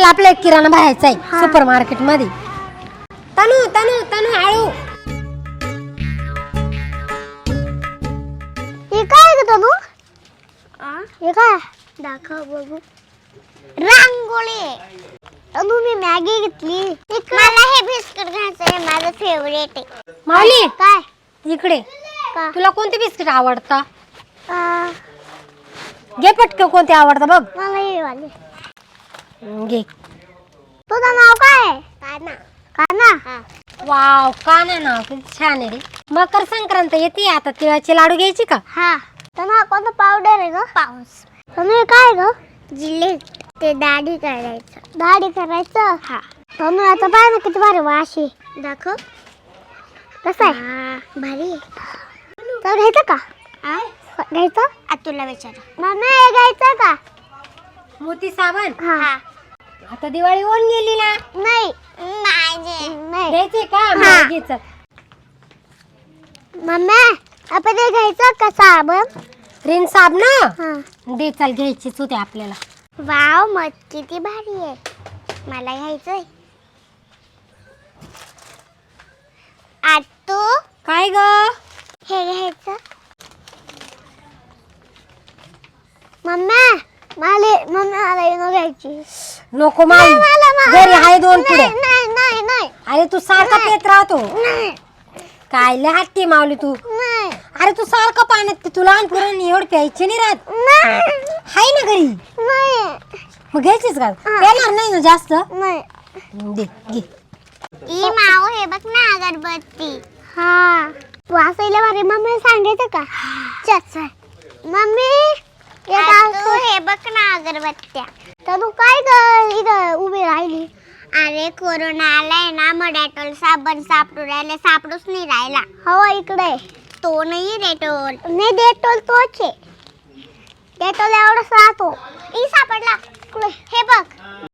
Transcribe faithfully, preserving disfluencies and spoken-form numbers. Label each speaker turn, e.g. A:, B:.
A: चल आपला एक किराणा भरायचा आहे सुपर मार्केट मध्ये. तनू तनू तनू आळू.
B: हे काय ग तनू? हे काय दाखव बघू. रांगोळी. तनू मी मॅगी घेतली. मला हे बिस्किट घ्यायचंय, माझं फेवरेट आहे.
A: माऊली
B: काय
A: इकडे.
B: का?
A: तुला कोणते बिस्किट आवडतं?
B: आ,
A: घे पटकन कोणते आवडतं बघ.
B: मला हे वाले.
A: घे.
B: तुझं नाव काय आहे? काना. काना?
A: वाव काना नाव किती छान आहे रे. मकर संक्रांत येते आता, तिळाचे लाडू घ्यायची का?
B: हा. तनू कोणतं पावडर आहे ग? पाऊस. तनू हे काय ग? जिले. ते दाढी करायचं. दाढी करायचं? हा. तनू आता पाय ना किती भारी वास आहे. दाखव. कसं आहे? भारी. तर घ्यायचं का? घ्यायचं? तुला विचार. मम्मी हे घ्यायचं का?
A: मोती साबण.
B: हा.
A: आता दिवाळी होऊन गेली ना.
B: नाही. नाही.
A: घ्यायचे का?
B: हा.
A: मग घे चल.
B: मम्मी आपण हे घ्यायचं का साबण?
A: रिन साबण
B: हा.
A: दे चल, घ्यायचीच होते आपल्याला.
B: वाव मत किती भारी आहे. मला घ्यायचंय. आतू
A: काय ग?
B: हे घ्यायचं. मम्मी मला मम्मी मला येणं घ्यायची.
A: नको माऊ,
B: मला- मला-
A: घरी आहे दोन पुढे.
B: नाही नाही नाही नाही
A: अरे तू सारखा
B: नाही.
A: पेत राहतो.
B: नाही
A: काय लय हट्टी माऊली तू.
B: नाही
A: अरे तू सारखं पाण्यात पितो. लहान पोरांनी एवढं प्यायचे नाही राहत.
B: नाही
A: हाय ना घरी.
B: नाही
A: मग घ्यायचीच का? पेणार नाही ना जास्त.
B: नाही.
A: दे घे.
B: ई माऊ हे बघ ना अगरबत्ती. हा तू असायला भारी. मम्मी सांगायचं का? चल चल मम्मी तू हे बघ ना अगरबत्त्या. तर तू काय ग इथं उभी राहिली? अरे कोरोना आलाय ना, मग डेटॉल साबण सापडू राहिले, सापडूच नाही राहिला. हो इकडे. तो नाही डेटॉल. नाही डेटॉल तोच आहे. डेटॉल एवढाच राहतो. ई सापडला. हे बघ.